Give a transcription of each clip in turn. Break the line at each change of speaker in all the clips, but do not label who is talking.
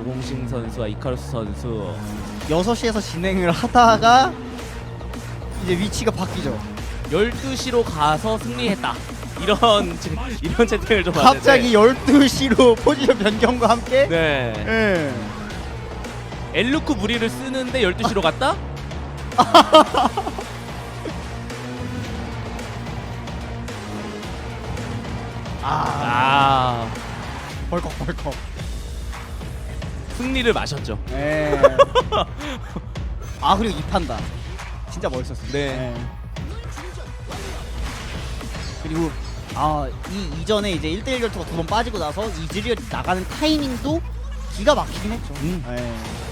고공신 선수와 이카루스 선수
6시에서 진행을 하다가 이제 위치가 바뀌죠.
12시로 가서 승리했다. 이런 채팅을 좀
갑자기 12시로 포지션 변경과 함께
네.
예.
엘루크 무리를 쓰는데 12시로 갔다? 아,
벌컥벌컥.
승리를 마셨죠.
예. 아 그리고 이 판다 진짜 멋있었어요.
네.
예. 그리고 이 이전에 이제 1대1 결투가 2번 빠지고 나서 이즈리얼 나가는 타이밍도 기가 막히긴 했죠. 예.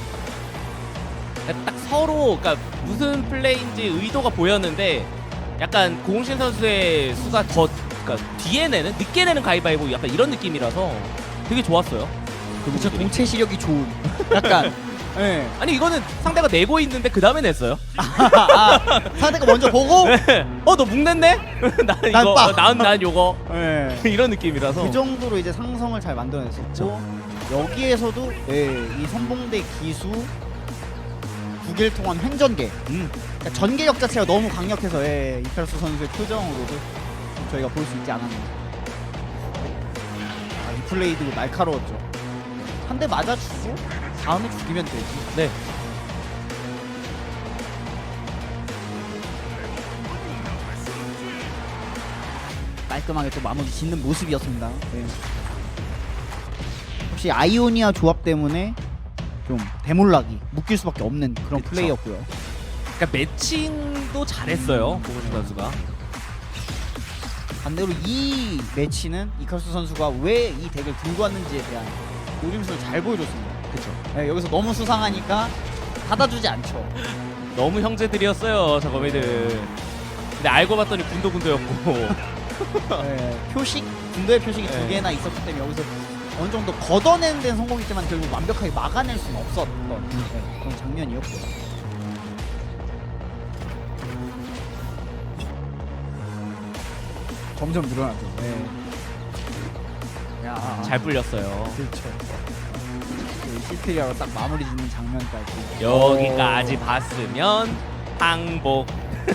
딱 서로 그러니까 무슨 플레이인지 의도가 보였는데 약간 고공신 선수의 수가 더 그러니까 뒤에 내는 늦게 내는 가위바위보 약간 이런 느낌이라서 되게 좋았어요. 그
진짜
부분들이.
동체 시력이 좋은 약간 예.
아니 이거는 상대가 내고 있는데 그 다음에 냈어요.
상대가 먼저 보고
너 묵냈네? 난 이거
빡!
난 요거
예.
이런 느낌이라서
그 정도로 이제 상성을 잘 만들어냈었고 여기에서도 이 선봉대 기수 9길 통한 횡전계 그러니까 전개력 자체가 너무 강력해서 이카루스 선수의 표정으로도 저희가 볼 수 있지 않았나. 이 플레이도 날카로웠죠. 한 대 맞아주고 다음에 죽이면 되지.
네.
깔끔하게 또 마무리 짓는 모습이었습니다. 네. 혹시 아이오니아 조합 때문에 좀 대몰락이 묶일 수밖에 없는 그런
그쵸.
플레이였고요.
그러니까 매칭도 잘했어요 고공신 선수가.
반대로 이 매치는 이카루스 선수가 왜 이 덱을 들고 왔는지에 대한 노림수를 잘 보여줬습니다.
그렇죠.
네, 여기서 너무 수상하니까 받아주지 않죠.
너무 형제들이었어요 저 거미들. 근데 알고 봤더니 군도군도였고.
네, 표식, 군도의 표식이 두
네.
개나 있었기 때문에 여기서 어느 정도 걷어내는 데는 성공했지만 결국 완벽하게 막아낼 수는 없었던 그런 장면이었고요. 점점 늘어나죠. 네. 야,
잘 불렸어요.
그렇죠. 시트리아로 딱 마무리 짓는 장면까지.
여기까지 봤으면 항복.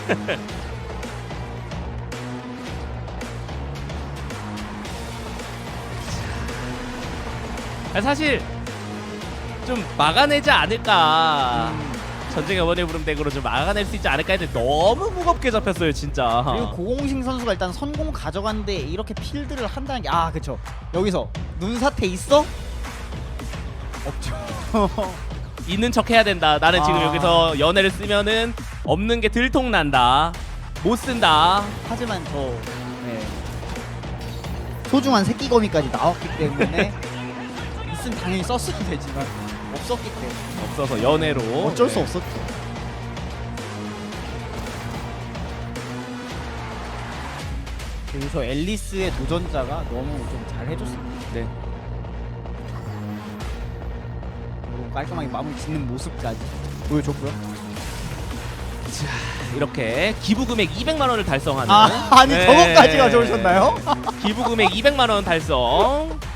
사실 좀 막아내지 않을까. 전쟁의 원의 부름 덱으로 좀 막아낼 수 있지 않을까 했는데 너무 무겁게 잡혔어요 진짜.
그리고 고공식 선수가 일단 선공 가져갔는데 이렇게 필드를 한다는 게 그쵸. 여기서 눈사태 있어? 없죠.
있는 척 해야 된다. 나는 지금 여기서 연애를 쓰면은 없는 게 들통난다. 못 쓴다.
하지만 소중한 새끼거미까지 나왔기 때문에 있으면 당연히 썼어야 되지만 없었기 때문에
없어서 연애로
어쩔 수 없었죠. 여기서 앨리스의 도전자가 너무 좀 잘 해줬습니다.
네.
그리고 깔끔하게 마무리 짓는 모습까지 보여줬고요.
이렇게 기부 금액 200만 원을 달성하는
아니
네.
저것까지 가져오셨나요?
기부 금액 200만 원 달성.